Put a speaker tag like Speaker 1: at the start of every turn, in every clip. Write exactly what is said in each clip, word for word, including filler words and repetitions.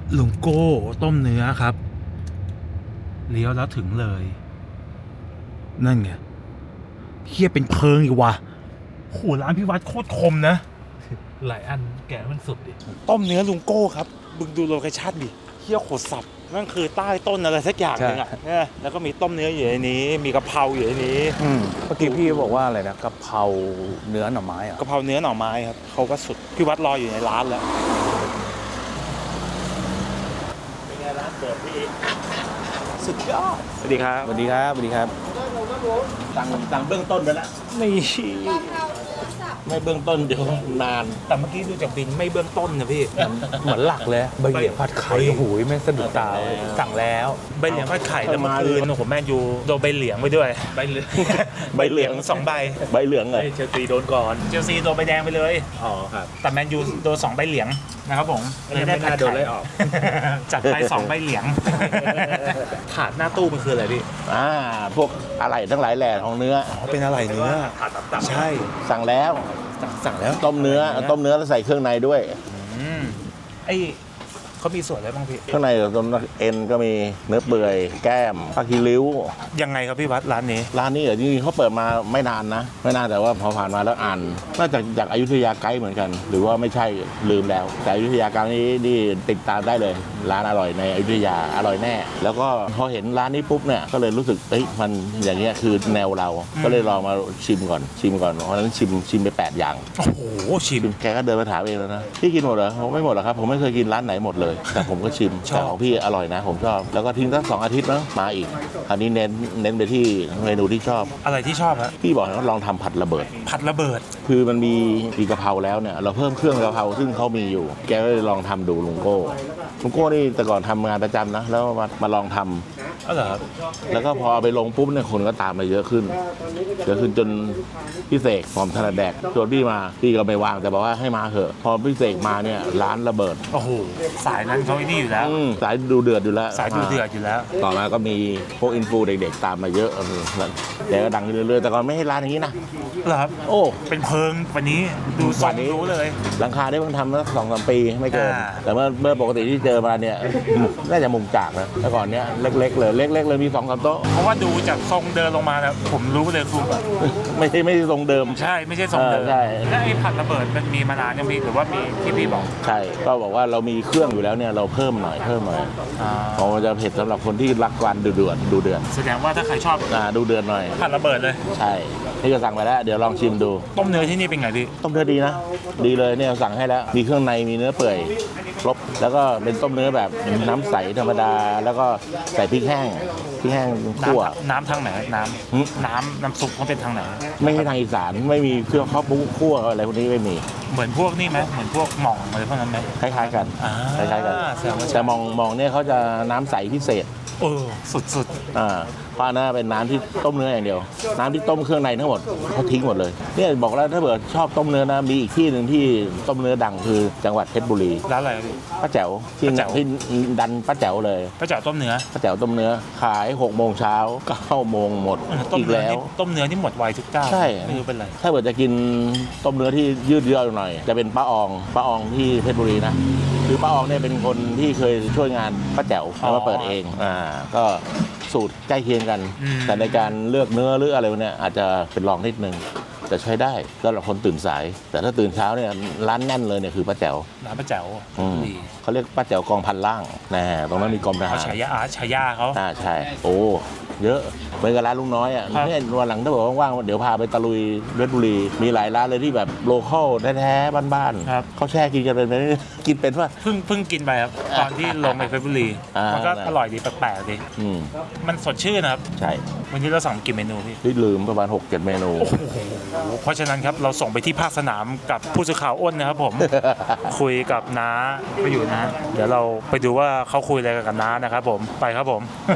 Speaker 1: ลุงโก้ต้มเนื้อครับเลี้ยวแล้วถึงเลยนั่นไงเฮียเป็นเพิงอีกว่ะโหร้านพี่วัดโคตรคมนะ
Speaker 2: หลายอันแกะมันสุดดิ
Speaker 1: ต้มเนื้อลุงโก้ครับบึงดูโลเคชั่นดิเฮียโคตรสับนั่นคือใต้ต้นอะไรสักอย่างนึงอ่ะเนี่ยแล้วก็มีต้มเนื้ออยู่ในนี้มีกะเพราอยู่ในนี้
Speaker 3: เมื่อกี้พี่บอกว่าอะไรนะกะเพราเนื้อหน่อไม้อะ
Speaker 1: กะเพราเนื้อหน่อไม้ครับเขาก็สุดพี่วัดรออยู่ในร้านแล้วเป็นไงร้านเปิดพี่สุดยอดสวัสดีครับ
Speaker 3: สวัสดีครับสวัสดีครับ
Speaker 4: สั่งสั่งเบื้องต้นไปแล้ว
Speaker 1: นี่
Speaker 4: ไม่เบื้องต้นเดี๋ยวนาน
Speaker 1: แต่เมื่อกี้ดูจากบินไม่เบื้องต้นนะพี่
Speaker 3: เหมือนหลักเลยใบเหลียงผัดไข่โอ้โหแม่งสะดุดตาเลยสั่งแล้ว
Speaker 1: ใบเหลียงผัดไข่แล้วเมื่อคืนโอ้โหแม่ยูโดนใบเหลียงไปด้วย
Speaker 2: ใบเหลือง
Speaker 1: ใบเหลียงสองใบ
Speaker 4: ใบเหลืองเลย
Speaker 2: เชลซีโดนก่อน
Speaker 1: เชลซีโดนใบแดงไปเลย
Speaker 2: อ๋อครับ
Speaker 1: แต่แมนยูโดนสองใบเหลียงนะครับผม
Speaker 2: ไม่น่าไม่น่าโดนไล่ออก
Speaker 1: จัดไปสองใบเหลียง ถาดหน้าตู้มันคืออะไรพี่
Speaker 4: อ่าพวกอะไรทั้งหลายแหล่ของเนื้อ
Speaker 1: อ๋อเป็นอะไรเนื้อ
Speaker 2: ถาดต่ำๆ
Speaker 1: ใช่
Speaker 4: สั่งแล้ว
Speaker 1: สั่งแล้ว
Speaker 4: ต้มเนื้อต้มเนื้อแล้วใส่เครื่องในด้วย
Speaker 1: อืมไอเขามีส่วนอะไรบ้างพี่
Speaker 4: เครื่องในต้มเอ็นก็มีเนื้อเปื่อยแก้มผักคีริ้ว
Speaker 1: ยังไงครับพี่วัดร้านนี้
Speaker 4: ร้านนี้เหรอจริงๆเขาเปิดมาไม่นานนะไม่นานแต่ว่าพอผ่านมาแล้วอ่านน่าจะจากอยุธยาไกด์เหมือนกัน หรือว่าไม่ใช่ลืมแล้ว แต่อยุธยาไกด์นี้นี่ติดตามได้เลย ร้านอร่อยในอยุธยาอร่อยแน่ แล้วก็พอเห็นร้านนี้ปุ๊บเนี่ยก็เลยรู้สึกเอ้ยมันอย่างเงี้ยคือแนวเราก็เลยลองมาชิมก่อนชิมก่อนเพราะฉะนั้นชิมชิมไปแปดอย่าง
Speaker 1: โอ้โหชิม
Speaker 4: แกก็เดินมาถามเองแล้วนะพี่กินหมดเหรอผมไม่หมดหรอกครับผมไม่เคยกินร้านไหนหมดเลย แต่ผมก็ชิม
Speaker 1: ชอบ
Speaker 4: แต่ของพี่อร่อยนะ ผมชอบแล้วก็ทิ้งสักสองอาทิตย์นะมาอีกคราวนี้เน้นเน้นไปที่เมนูที่ชอบ
Speaker 1: อะไรที่ชอบฮะ
Speaker 4: พี่บอกให้ลองทำผัดระเบิด
Speaker 1: ผัดระเบิด
Speaker 4: คือมันมีมีกะเพราแล้วเนี่ยเราเพิ่มเครื่องกะเพราซึ่งเขามีอยู่ แกก็เลยลองทำดูลุงโก้ลุงโก้นี่แต่ก่อนทำงานประจำนะแล้วมามาลองทำ
Speaker 1: อ๋อเหรอครับ
Speaker 4: แล้วก็พอเอาไปลงปุ๊บเนี่ยคนก็ตามมาเยอะขึ้นเยอะขึ้นจนพี่เสกหอมถนัดแดกชวนพี่มาพี่ก็ไม่ว่างแต่บอกว่าให้มาเถอะพอพี่เสกมาเนี่ยร้านระเบิด
Speaker 1: โอ้โหสายนั้นเขาไอ้นี่อยู่แล้ว
Speaker 4: อืมสายดูเดือดอยู่แล้ว
Speaker 1: สายดูเดือดอยู่แล้ว
Speaker 4: ต่อมาก็มีพวกอินฟูเด็กๆตามมาเยอะเออแล้วแกก็ดังขึ้นเรื่อยๆแต่ก่อนไม่ให้ร้านอย่างนี้นะ
Speaker 1: เหรอครับ
Speaker 4: โอ้
Speaker 1: เป็นเพิงวันนี้ดูทรงรู้เลย
Speaker 4: หลังคาได้เพิ่งทำมาสองสามปีไม่เกิน
Speaker 1: อ่า
Speaker 4: แต่เมื่อเมื่อปกติที่เจอมาเนี่ยน่าจะมุมจากนะแต่ก่อนเนี้ยเล็กๆเลยเล็กๆเลยมีสองสามโต๊ะ
Speaker 1: เพราะว่าดูจากทรงเดินลงมาแล้วผมรู้เลยคือแบบ
Speaker 4: ไม่ใช่ไม่ใช่ทรงเดิม
Speaker 1: ใช่ไม่ใช่ทรงเดิม
Speaker 4: เออใช่
Speaker 1: แล้วไอ้ผัดระเบิดมันมีมานานยังมีหรือว่ามีที่พี่บอก
Speaker 4: ใช่ก็บอกว่าเรามีเครื่องอยู่แล้วเนี่ยเราเพิ่มหน่อยเพิ่มหน่อย
Speaker 1: อ่า
Speaker 4: เพราะมันจะเผ็ดสำหรับคนที่รักการดูเดือดดูเดือด
Speaker 1: แสดงว่าถ้าใครชอบ
Speaker 4: อ่าดูเดือดหน่อย
Speaker 1: ผัดระเบิดเลย
Speaker 4: ใช่นี่ก็สั่งไปแล้วเดี๋ยวลองชิมดู
Speaker 1: ต้มเนื้อที่นี่เป็นไงพี่
Speaker 4: ต้มเนื้อดีนะ ดีเลยเนี่ยสั่งให้แล้ว มีเครื่องในมีเนื้อเปื่อยครบแล้วก็เป็นต้มเนื้อแบบน้ำใสธรรมดา แล้วก็ใส่พริกแห้งพริกแห้งคั่ว
Speaker 1: น้ำน้ำทางไหนน้
Speaker 4: หึ
Speaker 1: ำน้ำน้ำซุปเขาเป็นทางไหน
Speaker 4: ไม่ใช่ทางอีสานไม่มีเครื่องข้าวปุ๊คั่วอะไรพวกนี้ไม่มี
Speaker 1: เหมือนพวกนี่ไหมเหมือนพวกหม่องอะไรพวกนั้นไหม
Speaker 4: คล้ายๆกัน
Speaker 1: อ่า
Speaker 4: คล้ายๆกัน
Speaker 1: แสดงว่า
Speaker 4: แต่มองมองเนี่ยเขาจะน้ำใสพิเศษ
Speaker 1: เออสุดสุด
Speaker 4: อ่าเพราะอันนั้นเป็นน้ำที่ต้มเนื้ออย่างเดียว น้ำที่ต้มเครื่องในทั้งหมดเขาทิ้งหมดเลยเนี่ยบอกแล้วถ้าเกิดชอบต้มเนื้อนะมีอีกที่หนึ่งที่ต้มเนื้อดังคือจังหวัดเพชรบุรี
Speaker 1: ร้านอะไรพี่
Speaker 4: ป้าแจ๋วที่
Speaker 1: ป้าแจ๋ว
Speaker 4: ที่ดันป้าแจ๋วเลย
Speaker 1: ป้าจ๋าต้มเนื้อ
Speaker 4: ป้าแจ๋วต้มเนื้อขายหกโมงเช้าเก้าโมงหมด
Speaker 1: เออต้ม
Speaker 4: อีก
Speaker 1: เนื้อ
Speaker 4: แล้ว
Speaker 1: นี่ต้มเนื้อที่หมดไวทุกเจ้า
Speaker 4: ใช่
Speaker 1: ไม่รู้เป็นไร
Speaker 4: ถ้าเกิดจะกินต้มเนื้อที่ยืดเยื้อหน่อย จะเป็นป้าอองป้าอองที่เพชรบุรีนะคือป้าอองเนี่ยเป็นคนที่เคยช่วยงานป้าแจ๋วแล้วมาเปิดเองอ่าก็สูตรใกล้เคียงกัน แต่ในการเลือกเนื้อหรืออะไรพวกเนี้ยอาจจะเป็นรองนิดนึงแต่ใช้ได้สำหรับคนตื่นสาย แต่ถ้าตื่นเช้าเนี่ยร้านแน่นเลยเนี่ยคือป้าแจ๋ว
Speaker 1: ร้านป้าแจ๋ว
Speaker 4: อืม
Speaker 1: ดี
Speaker 4: เขาเรียกป้าแจ๋วกองพันล่างนะตรงนั้นมีกรมท
Speaker 1: เขา
Speaker 4: หาร
Speaker 1: ฉายาอาฉายาเขา
Speaker 4: อ่าใช่ โอ้ เยอะเหมือนกับร้านลุงน้อยอ่ะ
Speaker 1: ครับ
Speaker 4: เนี่ยวันหลังถ้าบอกว่างๆเดี๋ยวพาไปตะลุยเพชรบุรี มีหลายร้านเลยที่แบบโลคอลแท้ๆบ้าน
Speaker 1: ครับ
Speaker 4: ๆเขาแช่กินกันเป็นไหมกินเป็นป่ะ
Speaker 1: เพิ่งเพิ่งกินไปครับ ตอนที่ลงไปเพชรบุรี
Speaker 4: อ่ามั
Speaker 1: มันก็อร่อยดีแปลกๆดี
Speaker 4: อืม
Speaker 1: มันสดชื่นนะครับ
Speaker 4: ใช่
Speaker 1: วันนี้เราสั่งกี่เมนูพี่
Speaker 4: ที่ลืมประมาณหกเจ็ดเมนู
Speaker 1: โอ้โหเพราะฉะนั้นครับเราส่งไปที่ภาคสนามกับผู้สื่อข่าวอ้นนะครับผม คุยกับน้าไปอยู่นะ เดี๋ยวเราไปดูว่าเขาคุยอะไรกับน้านะครับผมไปครับผม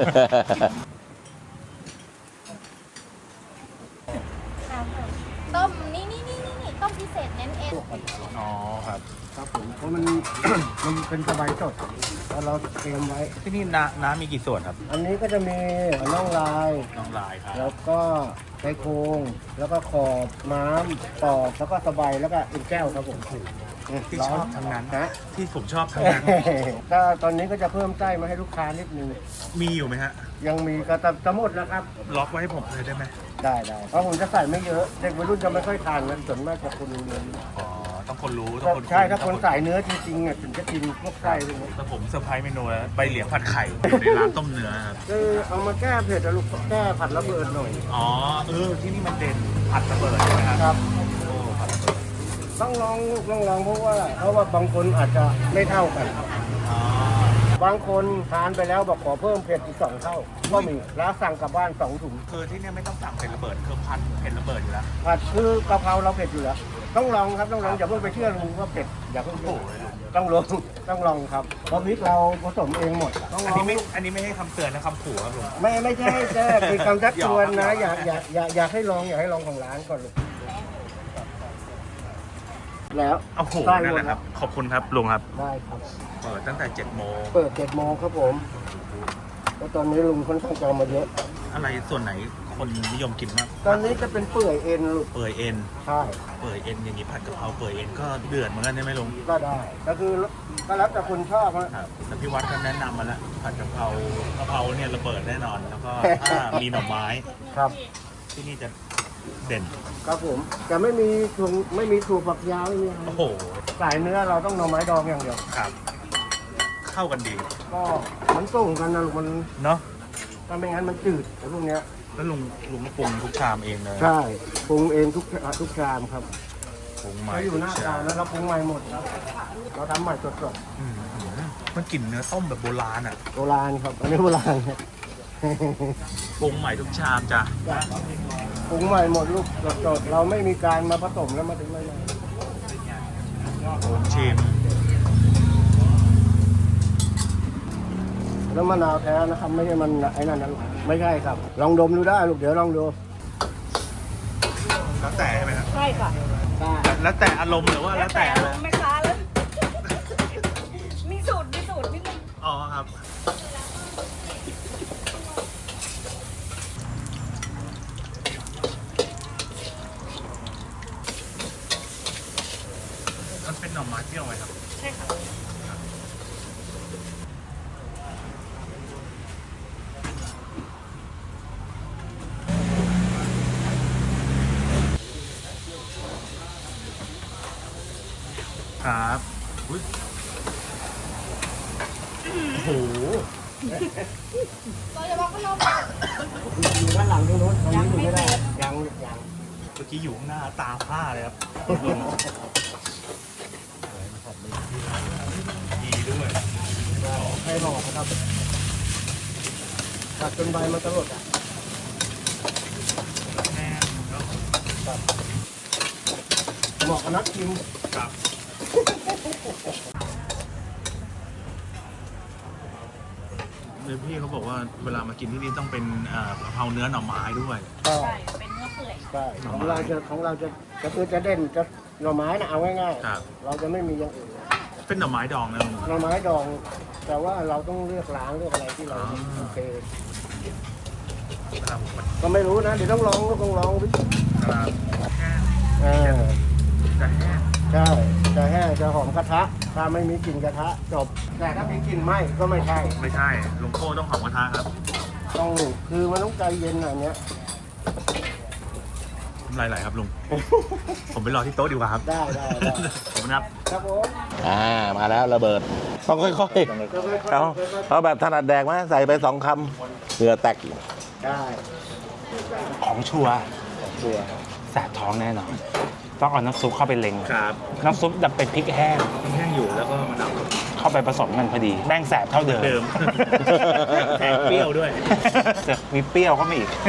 Speaker 5: ต้มนี่นี่นี่นี่นี่ต้มพิเศษเน้นเอ็น
Speaker 1: อ๋อครับ
Speaker 6: ครับผมเพราะมัน มันเป็นสบายสดแล้วเราเตรียมไว้
Speaker 1: ที่นี่น้าน้ามีกี่ส่วนครับ
Speaker 6: อันนี้ก็จะมีน่องลาย
Speaker 1: น้องลายครับ
Speaker 6: แล้วก็ไชโครงแล้วก็ขอบม้ามปอกแล้วก็สบายแล้วก็เอ็นแก้วครับผม
Speaker 2: ที่ชอบทั้งนั้น
Speaker 6: ฮะ
Speaker 2: ที่ผมชอบทั้งนั้น
Speaker 6: ก็ตอนนี้ก็จะเพิ่มไส้มาให้ลูกค้านิดนึง
Speaker 2: มีอยู่ไหมฮะ
Speaker 6: ยังมีก็จะจะหมดแล้วครับ
Speaker 2: ล็อกไว้ให้ผมเลยได้ไหม
Speaker 6: ได้ได้เพราะผมจะใส่ไม่เยอะเด็กวัยรุ่นจะไม่ค่อยทานกันส่วนมากจะคนเนื้อ
Speaker 2: อ๋อ ต้องคนรู้ ต้องคน
Speaker 6: ใช่ถ้าคนสายเนื้อจริงๆเนี่ยถึงจะกินพวกไส้พวกนี้
Speaker 2: แต่ผมเซอร์ไพรส์เมนูแล้วใบเหลียงผัดไข่อยู่ในร้านต้มเนื้อครับ
Speaker 6: คือเอามาแก้เผ็ดอะลูกแก้ผัดระเบิดหน่อย
Speaker 2: อ๋อ เออ ที่นี่มันเด่นผัดระเบิดใช่ไหมครับ
Speaker 6: ครับ
Speaker 2: โอ้ผัดระเบิด
Speaker 6: ต้องลองต้องลองเพราะว่าเพราะว่าบางคนอาจจะไม่เท่ากัน
Speaker 2: อ๋อ
Speaker 6: บางคนทานไปแล้วบอกขอเพิ่มเผ็ดอีกสองเท่า ก็มีแล้วสั่งกลับบ้านสองถุง
Speaker 2: คือที่เนี่ยไม่ต้องสั่งเผ็ดระเบิดคือผัดเผ็ดระเบิดอยู่แล้ว
Speaker 6: ผัดคือกะเพราเราเผ็ดอยู่แล้วต้องลองครับต้องลองอย่าเพิ่งไปเชื่อลุงว่าเผ็ดอย่าเพิ่งเชื่อต้องลองต้องลองครับเพราะพริกเราผสมเองหมดต้องล
Speaker 2: อัน
Speaker 6: อง
Speaker 2: นี้ไม่ อันนี้ไม่ให้คำเตือนนะคำขู่ครับผม
Speaker 6: ไม่ไม่ใช่แจ้เป็นคำชักชวนนะอยากอยากอยากอยากให้ลองอยากให้ลองของร้านก่อนลูกแล้ว
Speaker 2: โอ้โห
Speaker 6: ได้
Speaker 2: นั่น
Speaker 6: หม
Speaker 2: แห
Speaker 6: ด
Speaker 2: ละครับ ขอบคุณครับลุงครับ
Speaker 6: ได้ครับ
Speaker 2: เปิดตั้งแต่เจ็ดโมง
Speaker 6: เปิดเจ็ดโมงครับผมแล้วตอนนี้ลุงค่อนข้างจะเอามาเยอะ
Speaker 2: อะไรส่วนไหนคนนิยมกินมาก
Speaker 6: ตอนนี้จะเป็นเปื่อยเอ็นลูก
Speaker 2: เปื่อยเอ็น
Speaker 6: ใช่
Speaker 2: เปื่อยเอ็นอย่างนี้ผัดกะเพราเปื่อยเอ็นก็เดือดเหมือนกันใช่ไหมลุง
Speaker 6: ก็ได้ก็คือก็แล้วแต่คนชอบนะครับ
Speaker 2: แล้วพี่วัดก็แนะนำมาแล้วผัดกะเพรากะเพราเนี่ยระเบิดแน่นอน แล้วก็ถ้ามีหน่อไม้
Speaker 6: ครับ
Speaker 2: ที่นี่จะเด่น
Speaker 6: ครับผมจะไม่มีถั่วไม่มีถั่วฝักยาวไม่มีอะไร
Speaker 2: โอ้โห
Speaker 6: สายเนื้อเราต้องหน่อไม้ดองอย่างเดียว
Speaker 2: ครับ เข้ากันดี
Speaker 6: ก็มันส่งกันนะลูกมัน
Speaker 2: เนาะ
Speaker 6: ถ้าไม่งั้นมันจืดไอ้พวกเนี้ย
Speaker 2: แล้วลุงลุงก็ปรุงทุกชามเองเลย
Speaker 6: ใช่ปรุงเองทุกทุกชามครับ
Speaker 2: ปรุงใหม่
Speaker 6: เราอยู่หน้า
Speaker 2: ทุก
Speaker 6: ตา
Speaker 2: ชาม
Speaker 6: แล้วเราปรุงใหม่หมดครับเราทำใหม่สด
Speaker 2: อืมมันกลิ่นเนื้อต้มแบบโบราณอ่ะ
Speaker 6: ๆโบราณครับอันนี้โบราณครับ
Speaker 2: ปรุงใหม่ทุกชามจ้ะ
Speaker 6: ปรุงใหม่หมดลูกสดๆเราไม่มีการมาผสมแล้วมาถึงไม่ได้
Speaker 2: ผมชิม
Speaker 6: แล้วมะนาวแท้นะครับไม่ใช่มันไอ้นั่นนะลูกไม่ใช่ครับ ลองดมดูได้ลูกเดี๋ยวลองดู
Speaker 2: แล้วแต่ใช่ไหมครับ
Speaker 5: ใช่ค่ะ
Speaker 6: ได้
Speaker 2: แล้วแต่อารมณ์หรือว่าแล้วแต่อะไร
Speaker 5: แม่ค้าแล้ว มีสูตร มีสูตรนิดนึง
Speaker 2: อ๋อครับ มันเป็นหน่อไม้เปรี้ยวไหมครับ
Speaker 5: ใช่ค่ะ
Speaker 2: ครับอุ้ยโอ้โห
Speaker 5: เราจะบอกว่าเรา
Speaker 6: อยู่ด้านหลังตรงนู้นตรงนี้อยู่ไม่ได้ยังยัง
Speaker 2: เมื่อกี้อยู่ข้างหน้าตาผ้าเลยครับดีด้วย
Speaker 6: ใครบอกนะครับตัดจนใบมันตลดอ่ะ
Speaker 2: แน่นแล้ว
Speaker 6: เหมาะกับนักกิน
Speaker 2: ครับเลยพี่เขาบอกว่าเวลามากินที่นี่ต้องเป็นเอ่อกะเพราเนื้อหน่อไม้ด้วย
Speaker 6: ก็
Speaker 5: ใช่ เป็นเนื้อเปื่อย
Speaker 6: ใช่ของเราจะของเราจะก็คือจะเด่นจะหน่อไม้นะเอาง่าย
Speaker 2: ครับ
Speaker 6: ๆเราจะไม่มีอย่างอื่น
Speaker 2: เป็นหน่อไม้ดองนะลุง
Speaker 6: หน่อไม้ดอง แต่ว่าเราต้องเลือกล้างเลือกอะไรที่เรา
Speaker 2: อ๋อ
Speaker 6: โอเค
Speaker 2: ครับมัน
Speaker 6: ก็ไม่รู้นะเดี๋ยวต้องลองต้องลองวิ
Speaker 2: ครับแห้ง
Speaker 6: เออ
Speaker 2: จะแห้ง
Speaker 6: ใช่จะแห้งจะหอมกระทะ ถ้าไม่มีกลิ่นกระทะจบ แต่ถ้ามีกลิ่นไหม้ก็ไม่ใช่
Speaker 2: ไม่ใช่ลุงโก้ต้องหอมกระทะครับ
Speaker 6: ต้องคือมันต้องใจเย็นอันเนี้ย
Speaker 2: น้ำลายไหลครับลุง ผมไปรอที่โต๊ะดีกว่าครับ
Speaker 6: ได้ได้ได้
Speaker 2: ขอบคุณครับ
Speaker 6: ครับผม
Speaker 4: อ่ามาแล้วระเบิด ต้องค่อย
Speaker 6: ค่อย
Speaker 4: ๆ
Speaker 6: ๆ
Speaker 4: เอาเอาแบบถนัดแดกไหมใส่ไปสองคำเหงื่อแตก
Speaker 6: ได้
Speaker 3: ของชัวร์
Speaker 6: ตัว
Speaker 3: แสบท้องแน่นอน ต้องเอาน้ำซุปเข้าไปเล็ง
Speaker 2: ครับ
Speaker 3: น้ำซุปดับเป็นพริกแห้ง
Speaker 2: แห้งอยู่แล้วก็มะนาว
Speaker 3: เข้าไปผสมกันพอดีแม่งแสบเท่าเดิม
Speaker 2: เดิม แถมเปรี้ยวด้วย
Speaker 3: จะมีเปรี้ยวเข้ามาอีก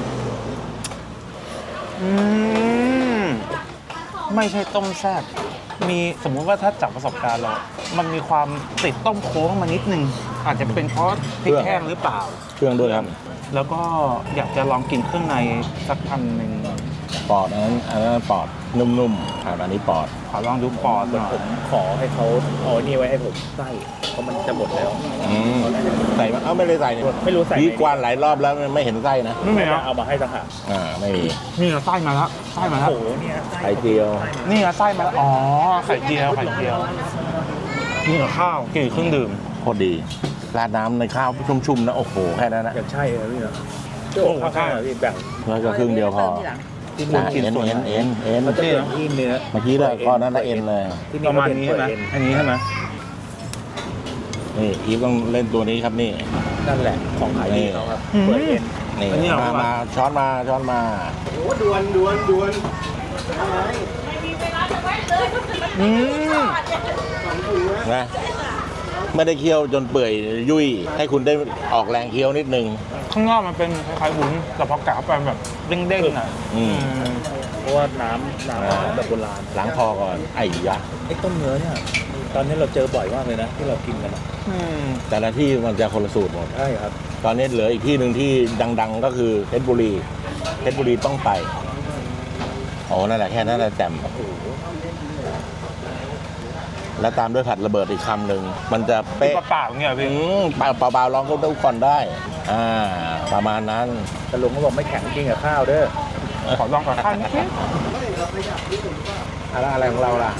Speaker 3: อืม ไม่ใช่ต้มแซ่บมีสมมุติว่าถ้าจากประสบการณ์เรา มันมีความติดต้มโค้งมานิดนึง อาจจะเป็นเพราะพริกแห้งหรือเปล่า
Speaker 4: เครื่องด้วยครับ
Speaker 3: แล้วก็อยากจะลองกินเครื่องในสักอันหนึ่ง
Speaker 4: ปอดอันนั้นอันนั้นปอดนุ่มๆครับอันนี้ปอด
Speaker 3: ขอลองดูปอดหน่อย
Speaker 2: ผมขอให้เขาเอานี่ไว้ให้ผมไส้เพราะมันจะหมดแล้ว
Speaker 4: อืมใส่มาเอ้าไม่ได้ใส่เนี่ย
Speaker 2: ไม่รู้ใส่
Speaker 4: พี่กวานหลายรอบแล้วไม่เห็นไส้นะ
Speaker 3: ไม่มี
Speaker 2: จะ
Speaker 3: นะ
Speaker 2: เอามาให้ต่างหาก
Speaker 4: อ่าไม่มี
Speaker 3: นี่ไส้มาแล้วไส้มาแล้ว
Speaker 2: โอ้โหเนี่ย
Speaker 4: ไข่เจียว
Speaker 3: นี่ไงไส้มาแล้วอ๋อไข่เจียวไข่เจียวกินกับข้าวกินกับเครื่องดื่ม
Speaker 4: โคตรดีราดน้ำในข้าวชุ่มๆนะโอ้โหแค่นั้นนะ
Speaker 2: อย่างใช่เลยพี่เนาะ
Speaker 3: โอ้โหใช่
Speaker 2: ข้าวๆพี่แบ่ง
Speaker 4: แล้วก็ครึ่งเดียวพอ
Speaker 3: ที่นู่น
Speaker 4: อ่ะ
Speaker 3: กิน
Speaker 4: เอ็น
Speaker 3: ส่วน
Speaker 4: เอ็นเอ็นเอ็น
Speaker 2: มันจะเป็นที่เนื้อ
Speaker 4: เมื่อกี้เลยก้อนนั้นละเอ็นเลย
Speaker 2: ที่
Speaker 3: ประมาณนี้ใช่ไหม
Speaker 2: เอ็
Speaker 3: อันนี้ใช่ไหม
Speaker 4: นี่อีฟต้องเล่นตัวนี้ครับนี่
Speaker 2: นั่นแหละของขายดีเขาครับ
Speaker 3: อืม
Speaker 2: เปิดเอ็น
Speaker 4: นี่
Speaker 3: อันนี้เหรอ
Speaker 4: มามาช้อนมาช้อนมา
Speaker 6: โอ้ดวนดวนดวนอะไร
Speaker 3: อืม
Speaker 4: นะไม่ได้เคี่ยวจนเปื่อยยุ่ยให้คุณได้ออกแรงเคี้ยวนิดนึง
Speaker 3: ข้างนอกมันเป็นคล้ายๆวุ้นแต่พอกะเข้าไปแบบเด้งๆอ่ะ
Speaker 4: อืม
Speaker 3: อืม
Speaker 2: เพราะว่าน้ำน้ำแบบโบราณ
Speaker 4: ล้างคอก่อนไอ้ยะ
Speaker 2: ไอ้ต้มเนื้อเนี่ยตอนนี้เราเจอบ่อยมากเลยนะ ที่เรากินกันอะ
Speaker 3: อืม
Speaker 4: แต่ละที่มันจะคนละสูตรหมด
Speaker 2: ใช่ครับ
Speaker 4: ตอนนี้เหลืออีกที่หนึ่งที่ดัง ๆ ก็คือเพชรบุรีเพชรบุรีต้องไปโอ้นั่นแหละแค่นั้นแหละแจ่มแล้วตามด้วยผัดระเบิดอีกคำหนึ่งมันจะเป๊ะ
Speaker 3: เปล่าๆอย่างเงี้ย
Speaker 4: อื
Speaker 3: พี่
Speaker 4: มเปล่าเปล่าๆลองก็ดูก่อนได้ อ่า ประมาณนั้น
Speaker 2: แต่ลุงเขาบอกไม่แข็งกินกับข้าวเด้อ
Speaker 3: ขอลองกับข้าวนิดนึง
Speaker 4: อะไรอะไรของเราล่ะ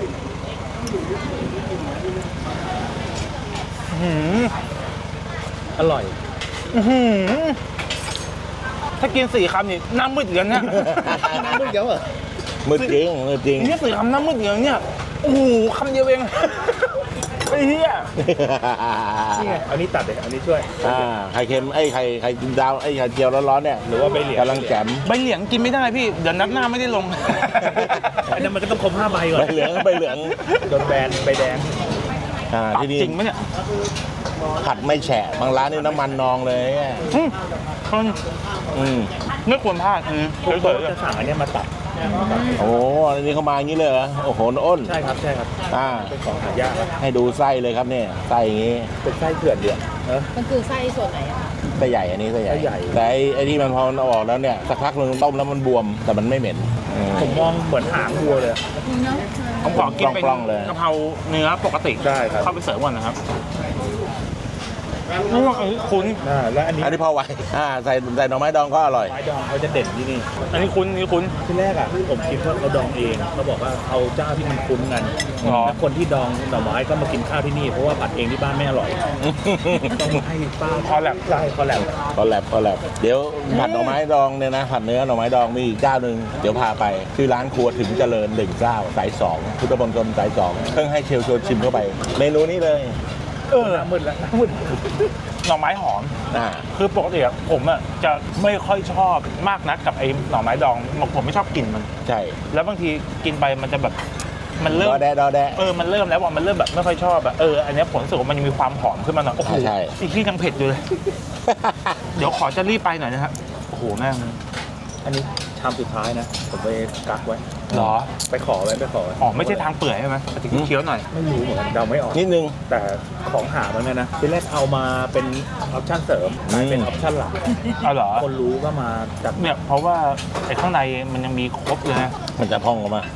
Speaker 3: อื้อหือ
Speaker 2: อร่อย
Speaker 3: อื้อหือถ้ากินสี่คำนี่หน้ามืดเหมือนกันเนี่ย
Speaker 2: น้ำมันเยอะเหรอ
Speaker 4: มืดจริงมืดจริง
Speaker 3: นี่สี่คำหน้ามืดเหมือนกันเนี่ยโอ้โหคำเดียวเองไอ้เหี้ย
Speaker 2: นี่ไงเอานี้ตัดเลยเอานี้ช่วย
Speaker 4: อ่าไข่เค็มไอ้ไข่ไข่ดาวไอ้ไข่เจียวร้อนๆเนี่ย
Speaker 2: หรือว่าใบเหลียง
Speaker 4: กำลังแจ่ม
Speaker 3: ใบเหลียงกินไม่ได้พี่ เดี๋ยวนัดหน้าไม่ได้ลง
Speaker 2: อันนั้นมันก็ต้องครบห้าใบก่อน
Speaker 4: ใบเหลืองใบเหลือง
Speaker 2: โดนแบนใบแดง
Speaker 4: อ่า
Speaker 3: ปรับ
Speaker 4: ที่นี่
Speaker 3: จริงไหมเนี่ย
Speaker 4: ผัดไม่แฉะบางร้านนี่น้ำมันนองเลย
Speaker 3: อืมคน
Speaker 4: อืม
Speaker 3: ไม่ควรพลาดอืม
Speaker 2: พวก
Speaker 3: ส
Speaker 2: โต๊ะ
Speaker 3: วยๆเลย
Speaker 2: จะสั่งอันเนี้ยมาตัด
Speaker 4: โอ้อันนี้เขามาอย่างนี้เลยเหรอโอ้โหอ้น
Speaker 2: ใช่ครับใช่ครับ
Speaker 4: อ่า
Speaker 2: เป็นของหายากครับ
Speaker 4: ให้ดูไส้เลยครับเนี่ยไส้อย่างนี้
Speaker 2: เป็นไส้เถื่อนเดือดเออ
Speaker 5: มันคือไส้ส่วนไหนอะ
Speaker 4: ไส้ใหญ่อันนี้ไส้ใหญ่
Speaker 2: ไส้ใหญ่
Speaker 4: แต่ไอ้ไอ้ที่มันพอมันเอาออกแล้วเนี่ยสักพักหนึ่งต้มแล้วมันบวมแต่มันไม่เหม็นอืม
Speaker 2: ผมมองเหมือนหางวัวเลย
Speaker 5: เนาะ
Speaker 3: ผมขอกินเป็น
Speaker 4: กล้องๆเลย
Speaker 3: กะเพราเนื้อปกติ
Speaker 2: ได้ครับ
Speaker 3: เข้าไปเสริมก่อนนะครับนี่ว่าเอ้ยคุณ
Speaker 2: อ่าแล้วอันนี้
Speaker 4: อันนี้พอไหวอ่าใส่ใส่หน่อไม้ดองก็อร่อย
Speaker 2: ไม้ดองเขาจะเด่นที่นี่
Speaker 3: อันนี้คุณอันนี่คุณ
Speaker 2: ที่แรกอ่ะผมคิดว่าเขาดองเองเขาบอกว่าเอาเจ้าที่มันคุ้นกัน
Speaker 3: อ๋อ
Speaker 2: แล้วคนที่ดองหน่อไม้ก็มากินข้าวที่นี่เพราะว่าผัดเองที่บ้านไม่อร่อยต้องให้ป้า
Speaker 3: คอแลบ
Speaker 2: ใช่คอแลบ
Speaker 4: ก็แลบก็แลบเดี๋ยวผัดหน่อไม้ดองเนี่ยนะผัดเนื้อหน่อไม้ดองมีอีกเจ้าหนึ่งเดี๋ยวพาไปชื่อร้านครัวถึงเจริญหนึ่งเจ้าสายสองพุทธมณฑลสายสองเพิ่งให้เชลชวนชิมเข้าไป เมนูนี้เลย
Speaker 3: เออ
Speaker 2: หน้ามืดแล้วหน้ามืด
Speaker 3: หน่อไม้หอม
Speaker 4: อ่า
Speaker 3: คือปกติอะผมอะจะไม่ค่อยชอบมากนักกับไอ้หน่อไม้ดองผมไม่ชอบกลิ่นมัน
Speaker 4: ใช่
Speaker 3: แล้วบางทีกินไปมันจะแบบมันเริ่
Speaker 4: ด
Speaker 3: ม
Speaker 4: อแดะดอแดะ
Speaker 3: เออมันเริ่มแล้วว่ามันเริ่มแบบไม่ค่อยชอบอะเอออันเนี้ยผมรู้สึกว่ามันยังมีความหอมขึ้นมาหน่อยโอ้โห
Speaker 4: ใช่
Speaker 3: อีกที่ยังเผ็ดอยู่เลย เดี๋ยวขอจะรีบไปหน่อยนะครับโอ้โหแม่ง
Speaker 2: อันนี้ชามสุดท้ายนะ ผมไปกักไว้
Speaker 3: เหรอ
Speaker 2: ไปขอไว้ไปขอไว้
Speaker 3: อ๋อไม่ใช่ทางเปื่อยใช่ไหมถึงเคี้ยวหน่อย
Speaker 2: ไม่รู้เหมือนกันเดาไม่ออก
Speaker 4: นิดนึง
Speaker 2: แต่ของหามันเนี่ยนะทีแรกเอามาเป็นออปชั่นเสริมกลายเป็นออปชั่นหลัก
Speaker 3: เอาเหรอ
Speaker 2: คนรู้ก็มาจัด
Speaker 3: เนี่ยเพราะว่าไอ้ข้างในมันยังมีครบเลยนะ
Speaker 4: มันจะพองออกมา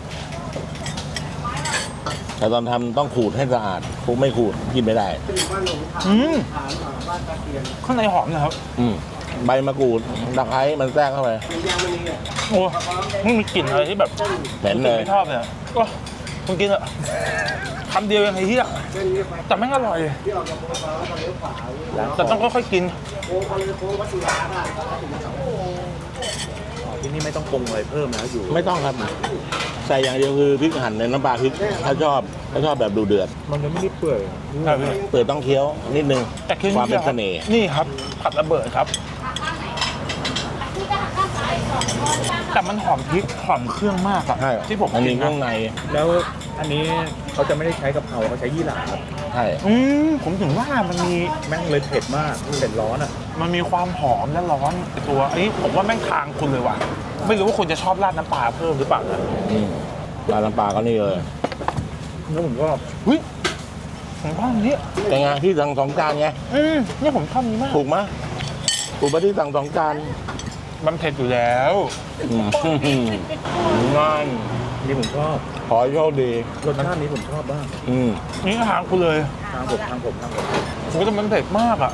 Speaker 4: แต่ตอนทำต้องขูดให้สะอาดคงไม่ขูดกินไม่ได้
Speaker 3: อืมข้างในหอมนะครับ
Speaker 4: อืมใบมะกรูดตะไคร้มันแทรกเข้าไป
Speaker 3: โอ้ไม่มีกลิ่นอะไรที่แบบ
Speaker 4: เหม็นเลย
Speaker 3: ไม่ชอบเลยก็คุณกินอะคำเดียวยังไงเฮียแต่แม่งอร่อย
Speaker 2: ร้าน
Speaker 3: แต่ต้องค่อยๆกิน
Speaker 2: ของที่นี่ไม่ต้องปรุงอะไรเพิ่มแล้วอยู่
Speaker 4: ไม่ต้องครับ ใส่อย่างเดียวคือพริกหั่นในน้ำปลาพริกถ้าชอบถ้าชอบแบบดูเดือด
Speaker 2: มันจะไม่ได้เปื่อย
Speaker 3: ใช่พี่
Speaker 4: เปิดต้องเคี้ยวนิดนึง
Speaker 3: แต่คือ
Speaker 4: ความเป็นเสน่ห์
Speaker 3: นี่ครับผัดระเบิดครับ แต่มันหอมพริกหอมเครื่องมากอะ
Speaker 4: ใช่
Speaker 3: ที่ผม
Speaker 4: มัน
Speaker 3: กิ
Speaker 4: มี
Speaker 3: น
Speaker 4: เครื่อง
Speaker 3: นะ
Speaker 4: ใน
Speaker 2: แล้วอันนี้เขาจะไม่ได้ใช้กะเพราเขาใช้ยี่หร่าครับ
Speaker 4: ใช่
Speaker 3: อืมผมถึงว่ามันมี
Speaker 2: แม่งเลยเผ็ดมากเผ็ดร้อนอ่ะ
Speaker 3: มันมีความหอมและร้อนในตัวอันนี้ผมว่าแม่งทางคุณเลยว่ะไม่รู้ว่าคุณจะชอบราดน้ำปลาเพิ่มหรือเปล่านะ
Speaker 4: อืมปลาน้ำปลาก็นี่เลย
Speaker 2: แล้วผมก็
Speaker 3: เฮ้ยผมชอบอันนี้
Speaker 4: แต่ไงที่สั่งสองจานไง
Speaker 3: อืมเนี่ยผมชอบนี้มาก
Speaker 4: ถูกไหมถูกปะที่สั่งสองจาน
Speaker 1: มันเผ็ดอยู่แล้ว
Speaker 4: อืมง่าย
Speaker 2: นี่ผมชอบ
Speaker 4: ขอให้โชคดี
Speaker 2: รสชาตินี้ผมชอบบ้าง
Speaker 4: อืม
Speaker 1: นี่ทางกูเลย
Speaker 2: ทางผมทางผมทางผม
Speaker 1: โอ้แต่มันเผ็ดมากอ่ะ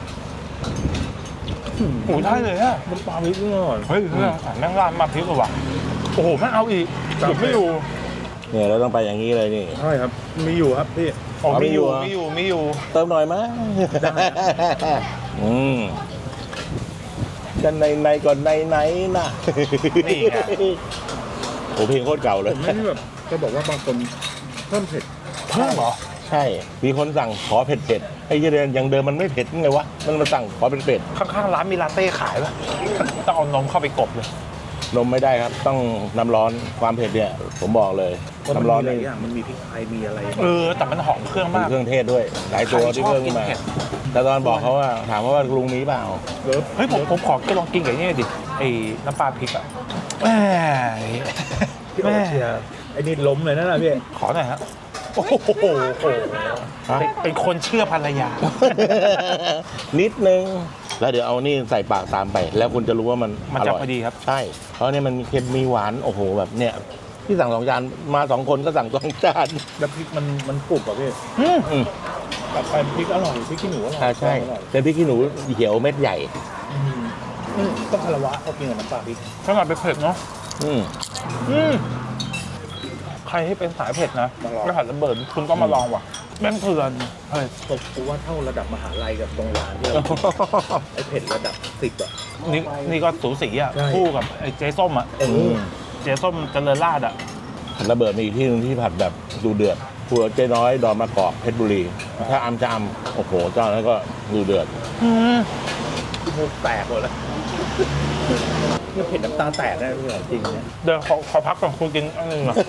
Speaker 1: โอ้ได้เลยอ่ะ
Speaker 2: มันปลาพริกนี่อร่อย
Speaker 1: เฮ้ยเพื่อนสั่งแม่งราดมาพริกเลยว่ะโอ้โหไม่เอาอีกหยุดไม่อยู่
Speaker 4: เนี่ยเราต้องไปอย่างนี้เลยนี่
Speaker 2: ใช่ครับ มีอยู่ครับพี่
Speaker 1: อ๋อ
Speaker 4: เอาไม่
Speaker 1: มีอยู่
Speaker 4: อยู่เหรอ
Speaker 1: มีอยู่มีอยู่
Speaker 4: เติมหน่อยมั้ยอืมกันในในก่อนในไหนน่ะ
Speaker 1: นี่ไง
Speaker 4: โอ้เพลงโคตรเก่าเลย
Speaker 2: ผมไม่ได้แบบจะบอกว่าบางคนเพิ่มเผ็ด
Speaker 1: เพิ่มเหรอ
Speaker 4: ใช่ มีคนสั่งขอเผ็ดเผ็ดๆไอ้เหี้ยเดือนยังเดิมมันไม่เผ็ดไงวะ มันมาสั่งขอเป็นเผ็ด
Speaker 1: ข้างๆร้านมีลาเต้ขายป่ะ ต้องเอานมเข้าไปกบเลย
Speaker 4: นมไม่ได้ครับ ต้องน้ำร้อนความเผ็ดเนี่ย ผมบอกเลย น้ำร้อน
Speaker 2: หลา
Speaker 4: นี่
Speaker 2: ยอย่างมันมีพริกไทยมีอะไร
Speaker 1: เออ แต่มันหอมเครื่อง
Speaker 4: มี
Speaker 1: มาก
Speaker 4: เครื่องเทศด้วย หลายตัวที่เพิ่มขึ้นมา
Speaker 1: ใครชอบกินเผ็ด
Speaker 4: แต่ตอนบอกเขาว่าถามเขาว่าลุงมีเปล่า
Speaker 2: เลิฟ
Speaker 1: เฮ้ยผมผมขอจะลองกินกับนี่ดิไอ้น้ำปลาพริกอ่ะแหม
Speaker 2: พี่โอเชียร์ไอ้นี่ล้มเลยนั่นแหละพี่
Speaker 1: ขอหน่อยฮะโอ้โหเป็นเป็นคนเชื่อภรรยา
Speaker 4: นิดนึง แล้วเดี๋ยวเอานี่ใส่ปากตามไป แล้วคุณจะรู้ว่ามัน
Speaker 1: มัน
Speaker 4: อ
Speaker 1: จะ
Speaker 4: ร่อย
Speaker 1: พอดีครับ
Speaker 4: ใช่ เพราะเนี่ยมันมีเค็มมีหวาน โอ้โห แบบเนี่ยที่สั่งสองจานมาสองคนก็สั่งสองจาน
Speaker 2: แล้วพริกมันมันกรุบอ่ะพี่
Speaker 1: อืม
Speaker 4: อืม
Speaker 2: กลับไปพริกอร่อยพริกขี้หนูอร่อย
Speaker 4: อ่าใช่
Speaker 2: อร่อย
Speaker 4: เป็นพริกขี้หนูเขียวเม็ดใหญ่
Speaker 2: อืมอืมต้องคารวะเขากินกับน้ำปลาพริก
Speaker 1: ขนาดเป็นเผ็ดเนาะ
Speaker 4: อืม
Speaker 1: อืมใครที่เป็นสายเผ็ดนะ
Speaker 2: มาลอง
Speaker 1: แล้วหัดระเบิดคุณต้องมาลองว่ะแม่งเถื่อนเฮ้ย
Speaker 2: ตกกูว่าเท่าระดับมหาลัยกับโรงร้านที่เราไอ้เผ็ดระดับสิบอ่ะ
Speaker 1: นี่นี่ก็สูสีอ่ะ
Speaker 2: ใช่
Speaker 1: คู่กับไอ้เจ๊ส้มอ่ะ
Speaker 2: เออ
Speaker 1: เจ๊ส้มเจริญราษฎร์อ่ะ
Speaker 4: ผัดระเบิดมีอีกที่หนึงที่ผัดแบบดูเดือดครัวเจ๊น้อยดอนมะกอกเพชรบุรี ถ้าอำจะอำโอ้โหเจ้านั้นก็ดูเดือด
Speaker 1: อืม
Speaker 2: มูกแตกหมดแล้วเนี่ยเผ็ดน้ำตาแตกได้พี่เหรอจริงเนี่ย
Speaker 1: เดี๋ยวขอขอพักก่อนคุณกินอันหนึงอ่ะ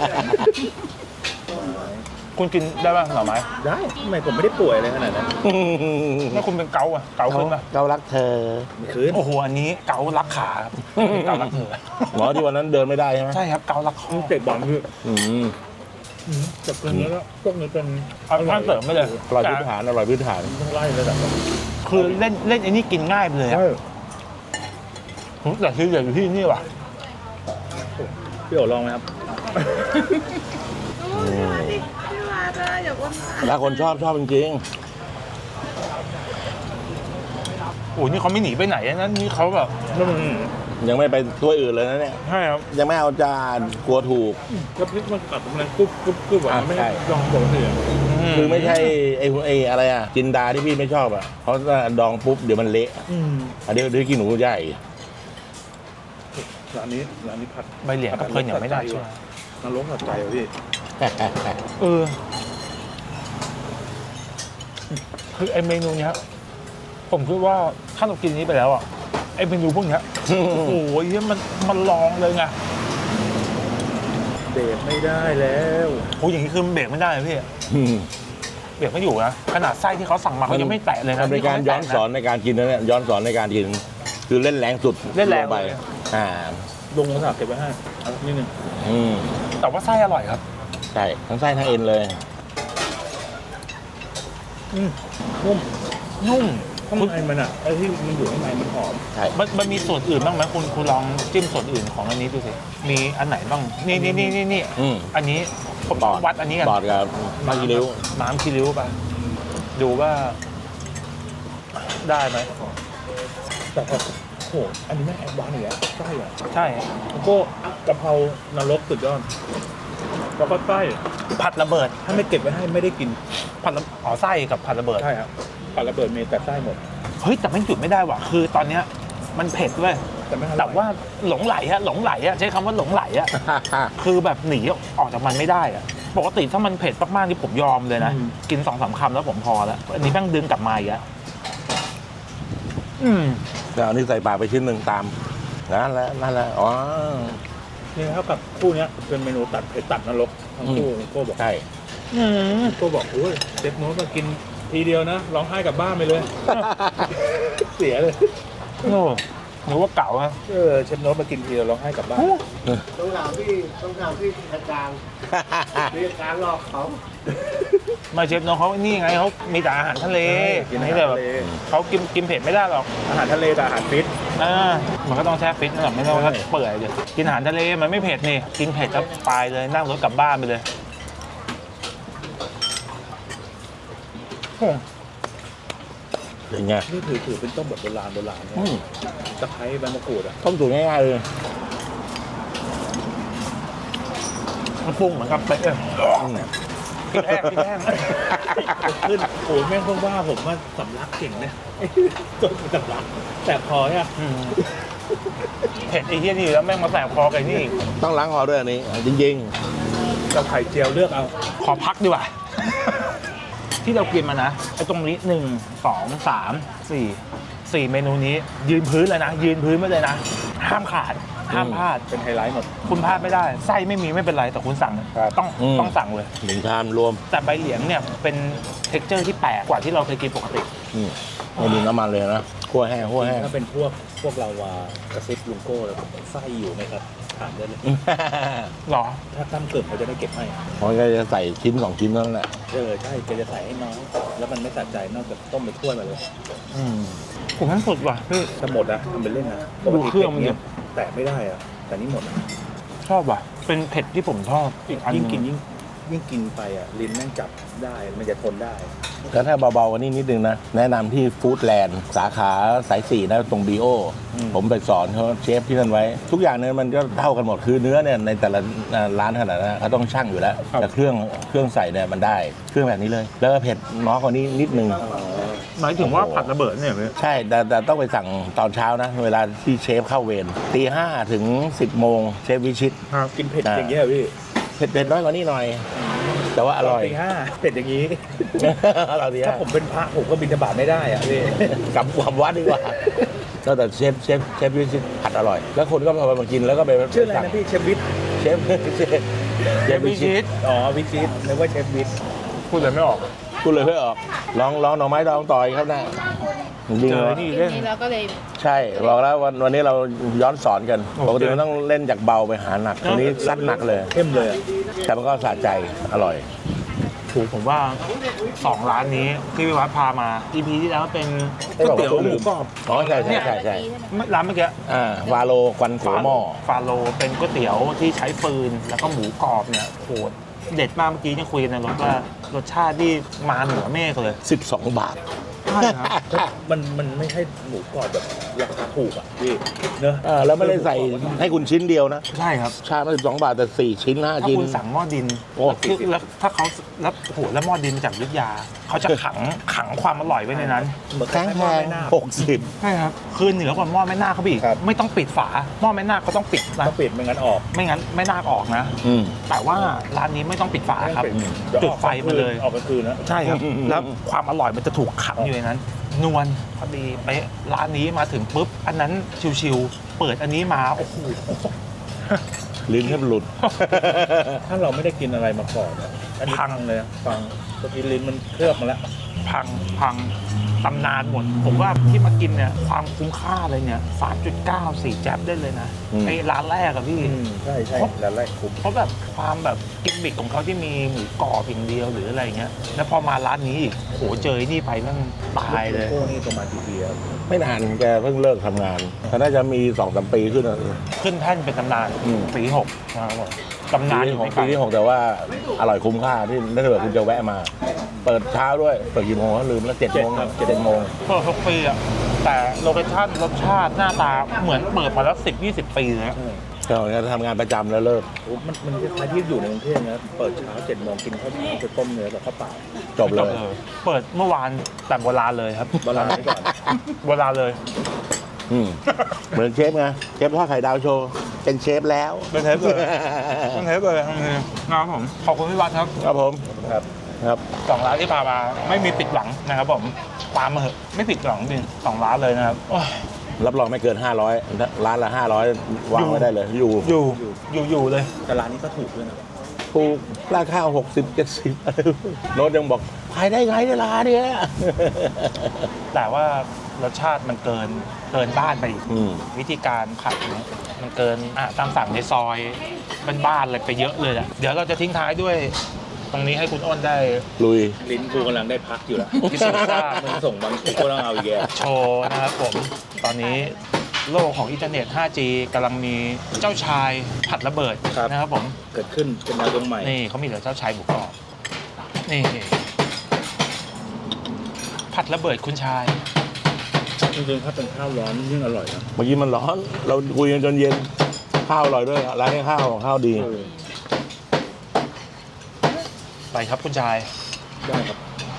Speaker 1: คุณกินได้ป่ะหน่อไม้
Speaker 2: ได้ทำไมผมไม่ได้ป่วยอะไรขนาดนั้น
Speaker 1: ถ้าคุณเป็นเกาอ่ะเกาขึ้นป่ะ
Speaker 4: เกาลักเธอ
Speaker 2: ไม่คืน
Speaker 1: โอ้โหอันนี้เการักขาครับเการักเธอ
Speaker 4: หมอที่วันนั้นเดินไม่ได้ใช่ไหม
Speaker 1: ใช่ครับเการักข้อ
Speaker 2: เตะบอลคือ
Speaker 4: อืม
Speaker 2: จับกันแล้วพวกนี้เป็น
Speaker 1: เอาท่านเสริมไปเลย
Speaker 4: อร่อยพื้นฐานอร่อยพื้นฐาน
Speaker 2: ต้องไล่ระดับ
Speaker 1: คือเล่นเล่นไอ้นี่กินง่ายไปเลยอะ
Speaker 2: ใช่
Speaker 1: แต่คืออยากอยู่ที่นี่ว่ะ
Speaker 2: พี่โอ๋ลองไหมครับ
Speaker 4: ถ้าคนชอบชอบจริง
Speaker 1: โอ้ยนี่เขาไม่หนีไปไหนนะนี่เขาแบบ
Speaker 4: ๆยังไม่ไปถ้วยอื่นเลยนะเนี่ย
Speaker 1: ใช่ครับ
Speaker 4: ยังไม่เอาจานกลัวถูก
Speaker 2: ก็พริกมันกัดมันกรุบกรุบกรุบอ่ะ
Speaker 4: อ่ะ
Speaker 2: ไม่
Speaker 4: ใช่
Speaker 2: ลองบอกเลย
Speaker 4: คือไม่ใช่ไอ้ไอ้อะไรอ่ะจินดาที่พี่ไม่ชอบอ่ะเพราะว่าดองปุ๊บเดี๋ยวมันเละ
Speaker 2: อืม
Speaker 4: อันนี้ด้วยขี้หนูใหญ่
Speaker 2: ร้านนี้ร้านนี้ผัด
Speaker 1: ใบเหลียงกับเพลินอย่างไม่ได้ใช่ไหม
Speaker 2: นรกผัดใจอ่ะพี่
Speaker 1: เออคือไอเมนูเนี้ยผมคิดว่าถ้าเรากินนี้ไปแล้วอ่ะไอเมนูพวกเนี้ยโอ้โหเหี้ยมันมันลองเลยไง
Speaker 2: เบรกไม่ได้แล้ว
Speaker 1: โอ้ยอย่างนี้คือมันเบรกไม่ได้เลยพี่
Speaker 4: อืม
Speaker 1: เบรกไม่อยู่นะขนาดไส้ที่เขาสั่งมาเขายังไม่แตะเลยนะ
Speaker 4: มันเป็นการย้อนสอนในการกินนะเนี่ยย้อนสอนในการกิน คือเล่นแรงสุด
Speaker 1: เล่นแรง
Speaker 4: ไป
Speaker 1: เลย
Speaker 4: อ่า
Speaker 2: ลงกระสาบเก็บไว้ให้เอานิดนึง
Speaker 4: อืม
Speaker 1: แต่ว่าไส้อร่อยครับ
Speaker 4: ใช่ทั้งไส้ทั้งเอ็นเลย
Speaker 2: อืมนุ่ม
Speaker 1: นุ่ม
Speaker 2: ข้างในมันอ่ะไอ้ที่มันอยู่ข้างในมันหอม
Speaker 4: ใช่
Speaker 1: มันมันมีส่วนอื่นบ้างไหมคุณคุณลองจิ้มส่วนอื่นของอันนี้ดูสิมีอันไหนบ้างนี่นี่นี่นี่นี่
Speaker 4: อืม
Speaker 1: อันนี้ผม
Speaker 4: ปอด
Speaker 1: วัดอันนี้กัน
Speaker 4: ปอดกับมากิริ้ว
Speaker 1: น้ำคีริ้วไปดูว่าได้ไหม
Speaker 2: แต่พอโอ้โหอันนี้แม่งแอดวานซ์อีกแล้วไส้อ่ะ
Speaker 1: ใช่
Speaker 2: แล้วก็กะเพรานรกสุดยอดแล้วก็ไส้
Speaker 1: ผัดระเบิด
Speaker 2: ถ้าไม่เก็บไว้ให้ไม่ได้กิน
Speaker 1: ผัดระอ๋อไส้กับผัดระเบิด
Speaker 2: ใช่ครับผัดระเบิดมีแต่ไส้หมด
Speaker 1: เฮ้ยแต่ไม่หยุดไม่ได้ว่ะคือตอนเนี้ยมันเผ็ดเว้ย
Speaker 2: แต่ไม่อร่อย
Speaker 1: แต่ว่าหลงไหลอะหลงไหลอะใช้คำว่าหลงไหลอะคือแบบหนีออกจากมันไม่ได้อะปกติถ้ามันเผ็ดมากๆนี่ผมยอมเลยนะกินสองสามคำแล้วผมพอแล้วอันนี้แม่งดึงกลับมาอีกแล้วอืม
Speaker 4: แล้วอันนี้ใส่ปากไปชิ้นหนึ่งตามนั่นแหละนั่นแหละอ๋อ
Speaker 2: นี่เท่ากับคู่เนี้ยเป็นเมนูตัดเผ็ดตัดนรกทั้งคู่โก้บอก
Speaker 4: ใช่
Speaker 1: อืม
Speaker 2: โก้บอกโอ้ยเด็กโน้ตมากินทีเดียวนะร้องไห้กลับบ้านไปเลย เสียเลย
Speaker 1: โอ้หรือว่าเก่าอะ
Speaker 2: เออเชฟโน้ตมากินทีเดียวร้องไห้กลับบ้าน
Speaker 6: ต้องถามพี่ต้องถามพี่กลางพี่กลางหลอกเขา
Speaker 1: มาเชฟน้องเขานี่ไงเขามีแต่อาหารทะเลนี่แต่แบบเขากินกินเผ็ดไม่ได้หรอก
Speaker 2: อาหารทะเลกับอาหารฟิต
Speaker 1: อ่ามันก็ต้องแช่ฟิตนะไม่ต้องว่าเปื่อยเลยกินอาหารทะเลมันไม่เผ็ดนี่กินเผ็ดก็ไปเลยนั่งรถกลับบ้านไปเลยโอ้
Speaker 4: เป็นไง
Speaker 2: นี่ถือถือเป็นต้มแบบโบราณโบราณเนี่ย
Speaker 4: อืม
Speaker 2: ตะไคร้ใบมะกรูดอ่ะ
Speaker 4: ต้มตุ๋นง่ายๆเลย
Speaker 1: มันปรุงเหมือนกับเป๊ะเลยพริกแห้งพริกแห้ง
Speaker 2: ขึ้นโอ้ยแม่งเพิ่งว่าผมว่าสำลักเก่งเนี่ยต้มสำลักแต่พออ่ะ
Speaker 1: อืมเผ็ดไอ้เหี้ยนี่แล้วแม่งมาแสบคอกันนี่อีก
Speaker 4: ต้องล้างคอด้วยอันนี้ จริง
Speaker 2: กับไข่เจียวเลือกเอา
Speaker 1: ขอพักดีกว่า ที่เรากินมานะไอ้ตรงนี้หนึ่งสองสามสี่สี่เมนูนี้ ยืนพื้นเลยนะ ยืนพื้นไว้เลยนะ ห้ามขาด ห้ามพลาด
Speaker 2: เป็นไฮไลท์หมด
Speaker 1: คุณพลาดไม่ได้ไส้ไม่มีไม่เป็นไรแต่คุณสั่ง
Speaker 2: ครับ
Speaker 1: ต้อง
Speaker 4: อืม
Speaker 1: ต้องสั่งเลย
Speaker 4: ๆหนึ่งชามรวม
Speaker 1: แต่ใบเหลียงเนี่ยเป็นเท็กเจอร์ที่แปลกกว่าที่เราเคยกินปกติ
Speaker 4: อืมไม่มีน้ำมันเลยนะคั่วแห้งคั่วแห้ง
Speaker 2: ถ้าเป็นพวกพวกเราวากระซิบลุงโก้เลยไส้อยู่ไหมครับถามได้เลย
Speaker 1: หรอ
Speaker 2: ถ้าตั้มเกิดเขาจะได้เก็บให้
Speaker 4: เพราะก็จะใส่ชิ้นสองชิ้นเท่านั้นแหละ
Speaker 2: เออใช่แกจะใส่ให้น้องแล้วมันไม่สะใจนอกจากต้มไปถ้วยมาเลย
Speaker 1: อืมผมนั้นสุดว่ะพี่
Speaker 2: ถ้าหมดนะทำเป็นเล่นนะ
Speaker 1: ดูเครื่องมันดิ
Speaker 2: แต่ไม่ได้อะแต่นี่หมดอะ
Speaker 1: ชอบว่ะ เป็นเผ็ดที่ผมชอบอีกอันห
Speaker 2: ยิ่ง
Speaker 1: ง
Speaker 2: กินยิ่งยิ่งกินไปอ่ะลิ้นแม่งจับได้มันจะทนได้
Speaker 4: แล้วถ้าเบาๆกว่านี้นิดนึงนะ แนะนำที่ฟู้ดแลนด์สาขาสายสี่นะตรงบีโออผมไปสอนเขาเชฟที่นั่นไว้ ทุกอย่างเนี่ยมันก็เท่ากันหมดคือเนื้อเนี่ยในแต่ละร้านขนาดนั้นเขาต้องชั่งอยู่แล้ว แต่เครื่องเครื่องใส่เนี่ยมันได้เครื่องแบบนี้เลย แล้วก็เผ็ดน้อยกว่านี้นิดนึง
Speaker 1: หมายถึงว่าผัดระเบิดเนี่ยพี่
Speaker 4: ใช่แต่แต่ต้องไปสั่งตอนเช้านะ เวลาที่เชฟเข้าเวรตีห้าถึงสิบโมงเชฟวิชิต
Speaker 2: กินเผ็ด
Speaker 4: อ่า
Speaker 2: อย่างเงี้ยเหรอพี่
Speaker 4: เผ็ดเผ็ดน้อยกว่านี้หน่อย แต่ว่าอร่อย
Speaker 2: ตีห้าเผ็ดอย่างงี้
Speaker 4: อร่อยดี
Speaker 2: ถ้า
Speaker 4: ฮะ
Speaker 2: ผมเป็นพระผมก็บิณฑบาตไม่ได้อ่ะพี่
Speaker 4: กลับกลับวัดดีกว่าก็แต่เชฟเชฟเชฟวิชิตผัดอร่อย แล้วคนก็พอมากินแล้วก็ไป
Speaker 2: ชื่ออะไรนะพี่เชฟวิท
Speaker 4: เชฟเชฟเชฟวิชิต
Speaker 2: อ๋อวิชิตนึกว่าเชฟวิท
Speaker 1: พูดเลยไม่ออก
Speaker 4: กูเลยไม่ออกลองลองหน่อไม้ดองต่อยครับนะจริง
Speaker 1: เจ
Speaker 4: เหร
Speaker 1: อ
Speaker 4: อ
Speaker 1: นี่
Speaker 5: ที
Speaker 1: เล่น
Speaker 5: นี้เราก็เลย
Speaker 4: ใช่บอกแล้ววันวันนี้เราย้อนสอนกัน
Speaker 1: โอเค
Speaker 4: ปกติมันต้องเล่นจากเบาไปหาหนักวันนี้ซัดหนักเลย
Speaker 2: เข้มเลยอะ
Speaker 4: แต่มันก็สะใจอร่อย
Speaker 1: ถูกผมว่าสองร้านนี้ที่พี่วัดพามา อี พี ที่แล้วเป็นก๋วยเตี๋ยวหมูกรอบ
Speaker 4: อ๋อใช่ใช่ใช่ใช่
Speaker 1: ร้านเมื่อกี้
Speaker 4: อ่าวาโลควันโขหม้อ
Speaker 1: ฟาโลเป็นก๋วยเตี๋ยวที่ใช้ฟืนแล้วก็หมูกรอบเนี่ยโหดเด็ดมากเมื่อกี้ยังคุยกันในรถว่ารสชาติที่มาเหนือเมฆเลย
Speaker 4: สิบสองบาท
Speaker 1: ใช่ครับ
Speaker 2: มันมันไม่ใช่หมูกรอบแบบราคาถูกอ่ะพี่เนอะ
Speaker 4: เออแล้วไม่ได้ใส่ให้คุณชิ้นเดียวนะ
Speaker 1: ใช่ครับ
Speaker 4: ชามละสิบสองบาทแต่สี่ชิ้นห้า
Speaker 1: ถ้า
Speaker 4: ชิ้น
Speaker 1: คุณสั่งหม้อดิน
Speaker 4: โอ้
Speaker 1: คือแล้วถ้าเขาแล้วโหแล้วหม้อดินจากอยุทธยาเขาจะขังขังความอร่อยไว้ในนั้น
Speaker 2: เหมือน
Speaker 4: แพง
Speaker 2: คล้ายๆ
Speaker 4: แพ
Speaker 2: หม้อ
Speaker 4: ง
Speaker 2: แม่นาค
Speaker 4: หกสิบ
Speaker 1: ใช่ครับคือเหนือกว่าหม้อแม่นาคเขาอีก
Speaker 2: ครับ
Speaker 1: ไม่ต้องปิดฝาหม้อแม่นาคเขาต้องปิดนะ
Speaker 2: ถ้าปิดไม่งั้นออก
Speaker 1: ไม่งั้นแม่นาคออกนะ
Speaker 4: อืม
Speaker 1: แต่ว่าร้านนี้ไม่ต้องปิดฝาครับ
Speaker 2: เยว
Speaker 1: จุดไฟมาเลย
Speaker 2: ออกกลางคืนนะ
Speaker 1: ใช่ครับ
Speaker 4: อืม
Speaker 1: แล้วความอร่อยมันจะถูกขังอยู่ในนั้น นวลพอดีไปะร้านนี้มาถึงปุ๊บ อันนั้นชิวๆเปิดอันนี้มาโอ้โห
Speaker 4: ลิ้นแทบหลุด
Speaker 2: ถ้าเราไม่ได้กินอะไรมาก่อนอะอันนี้
Speaker 1: พัง
Speaker 2: เลยอะฟังเมื่อกี้ลิ้นมันเคลือบมาแล้ว
Speaker 1: พังพังตำนานหมด ผมว่าที่มากินเนี่ยความคุ้มค่าเลยเนี่ย สามจุดเก้า สี่แจ๊บได้เลยนะ
Speaker 4: อืม
Speaker 1: ไอ้ร้านแรกอะพี่
Speaker 2: อืมใช่ใช่แล้วแรกคุ้ม
Speaker 1: เพราะแบบความแบบกิมมิคของเขาที่มีหมูกรอบอย่างเดียวหรืออะไรเงี้ย แล้วพอมาร้านนี้อีกโหเจอไอ้นี่ไปนั่งตายเลย
Speaker 2: โก้นี่ประมาณกี่ปีครับ
Speaker 4: ไม่นานแกเพิ่งเลิกทำงานเขาน่าจะมีสองสามปีขึ้นอะ
Speaker 1: ขึ้นแท่นเป็นตำนาน
Speaker 4: อืม
Speaker 1: ปีหกนะครับผมตำนาน
Speaker 4: ปี
Speaker 1: อยู่
Speaker 4: ของ
Speaker 1: ไม่ไกล
Speaker 4: ปีที่หกแต่ว่าอร่อยคุ้มค่าที่ถ้าเกิดคุณจะแวะมา เปิดเช้าด้วย เปิดกี่โมงก็ลืมแล้วเจ็ดโมงเจ็ดโมง
Speaker 1: เปิดทุกปีอะแต่โลเคชั่นรสชาติหน้าตาเหมือนเปิดมาแล้วสิบยี่สิบปีเลยนะ
Speaker 4: ก็จะทำงานประจำแล้วเลิก
Speaker 2: โอ้มันมันคล้ายๆที่อยู่ในกรุงเทพนะเปิดเช้าเจ็ดโมงกินข้าวเช้าไปต้มเนื้อกับข้าวเปล่า
Speaker 4: จบเลย
Speaker 1: เปิดเมื่อวานแต่โบราณเลยครับ
Speaker 2: โบราณไว้ก่อน
Speaker 1: โบราณเลย
Speaker 4: อืมเหมือนเชฟไงเชฟทอดไข่ดาวโชว์เป็นเชฟแล้ว
Speaker 1: เป็นเทปเลยเป็นเทปเลยนะครับผมขอบคุณพี่วัดครับ
Speaker 4: ครับผม
Speaker 2: ครับ
Speaker 4: ครับ
Speaker 1: สองร้านที่พามาไม่มีปิดหวังนะครับผมตามมาเหอะไม่ผิดหวังจริงสองร้านเลยนะครับโอ้ย
Speaker 4: รับรองไม่เกิน ห้าร้อยร้านละ ห้าร้อย วางไว้ได้เลย อยู่
Speaker 1: อยู่อยู่อยู่เลย
Speaker 2: แต่ร้านนี้ก็ถูกด้วยนะ
Speaker 4: ถูกราคาหกสิบ เจ็ดสิบโน้ตยังบอกขายได้ไงในร้านเนี้ย
Speaker 1: แต่ว่ารสชาติมันเกินเกินบ้านไปอีก
Speaker 4: อืม
Speaker 1: วิธีการผัดเนี่ยมันเกินอ่ะตามสั่งในซอยบ้านๆเลยไปเยอะเลยแหละเดี๋ยวเราจะทิ้งท้ายด้วยตรงนี้ให้คุณอ้นได้
Speaker 4: ลุย
Speaker 2: ลิ้นกูกำลังได้พักอยู่แล้ว
Speaker 1: พิสูจน์ทราบ
Speaker 2: มึงส่งบางกูก็ต้องเอาอีกแก
Speaker 1: โชว์นะครับผม ตอนนี้โลกของอินเทอร์เน็ต ไฟว์จี กำลังมีเจ้าชายผัดระเบิดนะครับผม
Speaker 2: เกิดขึ้นเป็นดาวดวงใหม่
Speaker 1: นี่เขามีเหลือเจ้าชายหมูกรอบ นี่ผัดระเบิดคุณชาย
Speaker 2: จริงๆถ้าเป็นข้าวร้อนยิ่งอร่อยนะ
Speaker 4: เมื่อกี้มันร้อน เราคุยกันจนเย็น ข้าวอร่อยด้วยร้านนี้ข้าวข้าวดี
Speaker 2: เออ
Speaker 1: ไปครับคุณชาย
Speaker 2: ได้ครับ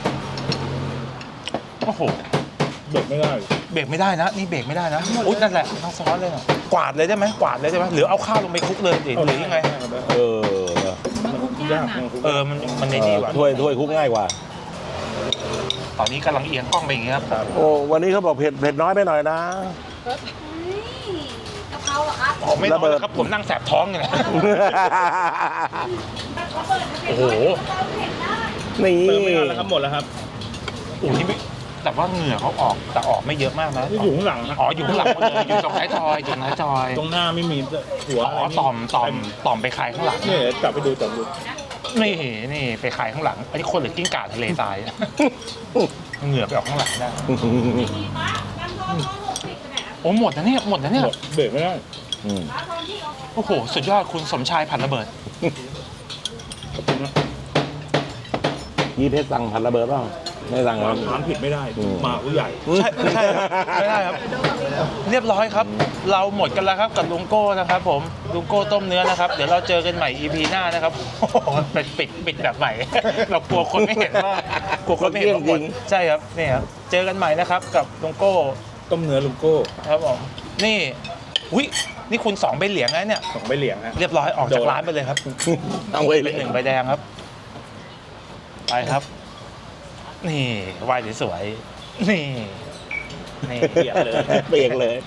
Speaker 1: โอ้โห
Speaker 2: เบิกไม่ได้
Speaker 1: เบรกไม่ได้นะ นี่เบรกไม่ได้นะอุ๊ยนั่นแหละทั้งซ้อนเลยนะกวาดเลยได้ไหมกวาดเลยได้ไหมหรือเอาข้าวลงไปคลุกเลยหรือหรือยังไง
Speaker 4: เออ
Speaker 2: มันยากนะ
Speaker 1: เออ มันมันในนี่ว่ะ
Speaker 4: ถ้วยถ้วยคุกง่ายกว่า
Speaker 1: ตอนนี้กำลังเอียงกล้องไปอย่างเงี้ยครับ
Speaker 4: โอ้วันนี้เขาบอกเผ็ดเผ็ดน้อยไปหน่อยนะ
Speaker 5: กะเพราเหรอครับ
Speaker 1: ผมไม่
Speaker 4: ระ
Speaker 1: น้
Speaker 4: เบิ
Speaker 1: อย
Speaker 4: ด
Speaker 1: นะครับ ผมนั่งแสบท้องอยู่นะโอ้โห
Speaker 4: นี่
Speaker 2: เติมไม่ทันแล้วครับหมดแล้วครับ
Speaker 1: โอ้โหนี่ไม่แต่ว่าเหงื่อเขาออกแต่ออกไม่เยอะมากนะ
Speaker 2: นี่อยู่ข้างหลังนะ
Speaker 1: อ๋ออยู่ข้างหลังหมดเลยอยู่ตรงท้ายทอยอยู่ตรงท้ายทอย
Speaker 2: ตรงหน้าไม่มีหัว
Speaker 1: อ๋อต่อมต่อมต่อมไปคายข้างหลัง
Speaker 2: เนี่ยกลับไปดูจับดู
Speaker 1: นี่นี่ไปคายข้างหลังอันนี้คนหรือกิ้งก่าทะเลทรายเหงื่อไปออกข้างหลังได้โอ้หมดนะเนี่ยหมดนะเนี่ย
Speaker 2: หมดเบรกไม่ได้
Speaker 4: อืม
Speaker 1: โอ้โหสุดยอดคุณสมชายผัดระเบิด
Speaker 2: ขอบคุณนะ
Speaker 4: ยี่เพชรสั่งผัดระเบิดเปล่าไม่สั่งครับ
Speaker 2: ร้านผิดไม่ได้
Speaker 4: อืม
Speaker 2: มาผู้ใหญ่
Speaker 1: ใช่ใช่ครับไม่ได้ครับ เรียบร้อยครับ เราหมดกันแล้วครับกับลุงโก้นะครับ ผมลุงโก้ต้มเนื้อนะครับ เดี๋ยวเราเจอกันใหม่ อี พี หน้านะครับโอ้โหเป็นปิดปิดแบบใหม่ เรากลัวคนไม่เห็นว่ากลัวคนไม่เห็นว่าหมดใช่ครับนี่ครับเจอกันใหม่นะครับกับลุงโก้
Speaker 2: ต้มเนื้อลุงโก้
Speaker 1: ครับผมนี่อุ้ยนี่คุณสองใบเหลียงแล้วเนี่ย
Speaker 2: สองใบเหลียงฮะ
Speaker 1: เรียบร้อยออกจากร้านไปเลยครับ
Speaker 4: เอาไว้เล
Speaker 1: เป็
Speaker 4: ย
Speaker 1: นหนึ่งใบแดงครับ ไปครับ นี่ไหวสวยๆนี่นี่
Speaker 2: เปียกเลย
Speaker 4: เปียกเลย